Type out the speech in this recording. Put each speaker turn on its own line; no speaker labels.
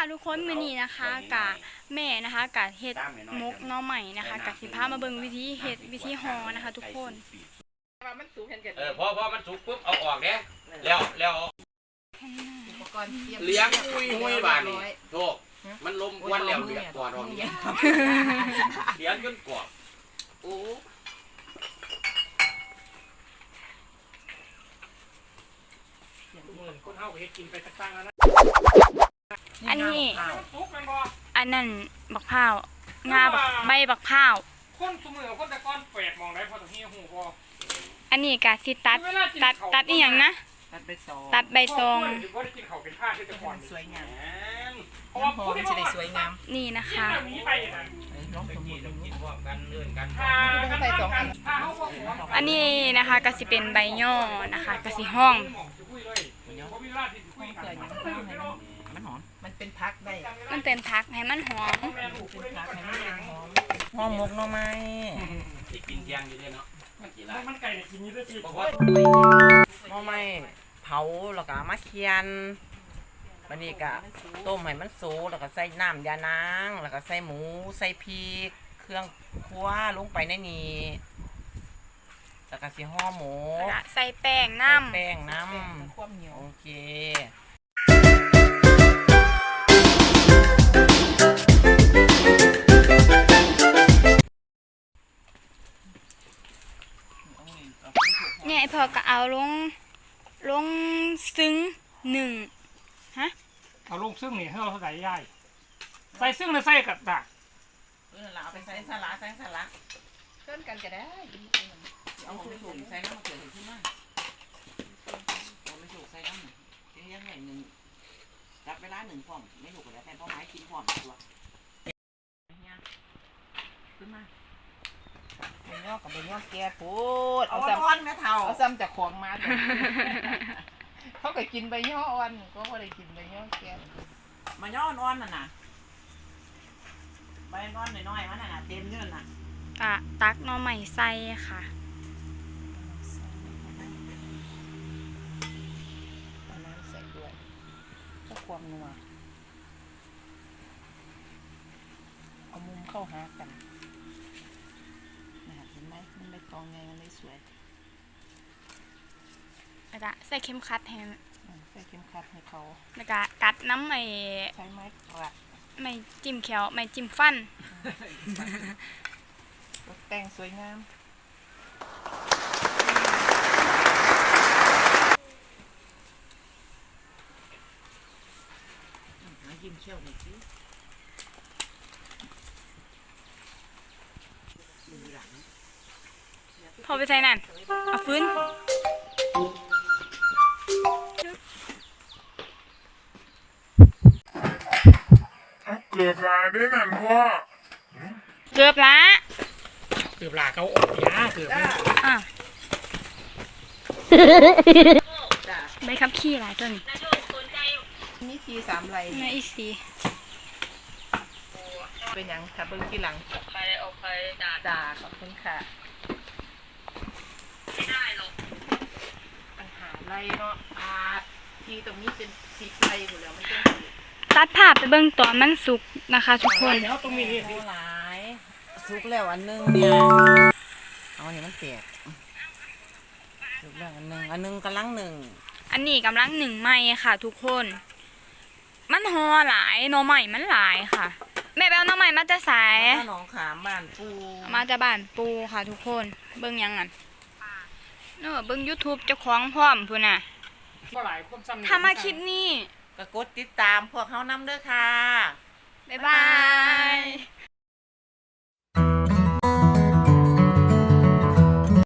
ทุกคนมื้อนี้นะคะกะแม่นะคะกะเฮ็ดมกหน่อใหม่นะคะกะสิพามาเบิ่งวิธีเฮ็ดวิธีห่อนะคะทุกคน
มันสุกเห็นกัน
พอมันสุกปุ๊บเอาออกเด้แล้ว
อุปกรณ์
เลี้ยงอุ้ยบานนี่โธ่มันลมควันแล้วเดือดกว่าดอกนี้เลี้ยงจนกรอบโอ้
คนเฮาก็เฮ็ดกินไปตั้งๆแล้วนะ
อันนี้อันนั้นบักพร้าวงาใบบักพร้าว
คนสมือคนตะก้อนแปลกมองได้พอตรงนี้หูพอ
อันนี้กะสิตัดอีหยังนะตัดใบตอง
สวยงาม
เพราะว่าผู้ที่
จะได้สวยงาม
นี่นะคะอันนี้นะคะก็สิเป็นใบย่อนะคะก็สิห้อง
มันหอมมันเป็นพักได้
มันเป็นพักให้มันหอม
หอมมกหน่อไม้
ที่กินยางอยู่ด้วยเนาะ
มันไก่กินนี่ด้วยจี
หน่อไม้เผาแล้วก็มาเคียนวันนี้ก็ต้มให้มันสุกแล้วก็ใส่น้ำยานางแล้วก็ใส่หมูใส่พริกเครื่องครัวลงไปในนี้แล้วก็สิห่อหมู
ใส่แป้งน้ำ
โอเค
เนี่ยพอก็เอาลงซึ้ง1ฮะ
เอาลงซึ่งนี่ให้เราใส่ย่ายใส่ซึ่งแล้วใส่กับดัก
เอาไปใส่สลัดเพิ่มกันก็ได้เอาไปถูกใส่น้ำมะเขือขึ้นมาเอาไปถูกใส่น้ำยังไงหนึ่งรับเวลา1 พร้อมไม่ถูกก็ได้แต่เพราะไม้กินพร้อมตัวขึ้นมาใบย่อกับใบย่อแก่พูดเอาซ้ำแม่เท่าเอาซ้ำจากของมาเขาเคยกินใบย่ออ่อนก็ไม่ได้กินใบย่อแก่ใบย่ออ่อนน่ะนะใบอ่อนน้อยๆมันน่ะเต็มเนื้อน่ะ
ตักหน่อใหม่ใส่ค่ะ
น้ำใส่ด้วยเพื่อความนัวเอามุมเข้าหากันเห็นไหมมันได้ตองไงมันได้สวย
ใส่เข็มขัดให้
ใส่เข็มขัดให้เขา
แล้วก็กัดน้ำ
ใช้ไม้กลัด
ไม่จิ้มแขวไม่จิ้มฟัน
ตกแต่งสวยงามยิ้มเชี่ยวหน่อยสิ
พอไปใส่นั่นเอาฟื้น
เกือบลาได้นั่นพ่อ
เกือบละ
เขาออกยาเกือบ
ใบขับขี่หลายต้น
นี่ที3 ไร
นี่อีสี
เป็นยังถ้าเบิ้งที่หลังเอาไปด่าขอบคุณค่ะไม่ได้หรอกปัญหาไรเนาะทีตรงนี้เป็น10 ไรอยู่แล้วมันจะ
ตัดภาพไปเบิ่งตอนมันสุกนะคะทุกคน
ตรงนี้
หลายสุกแล้วอันนึงเนี่ยเอาเนี่ยมันเปียกสุกแล้วอันนึงกำลัง1
อันนี้กำลัง1ไหม้ค่ะทุกคนมันห่อหลายหน่อใหม่มันหลายค่ะแม่แปลหน่อใหม่มาจะสาย
หนองขามบ้านปู
มาจะบ้านปูค่ะทุกคนเบิ่งยังงั้นเบิ่ง YouTube เจ้าของพร้อมพุ่นน่ะถ้ามาคลิปนี้
ก็กดติดตามพวกเขานำเด้อค่ะ
บ๊ายบา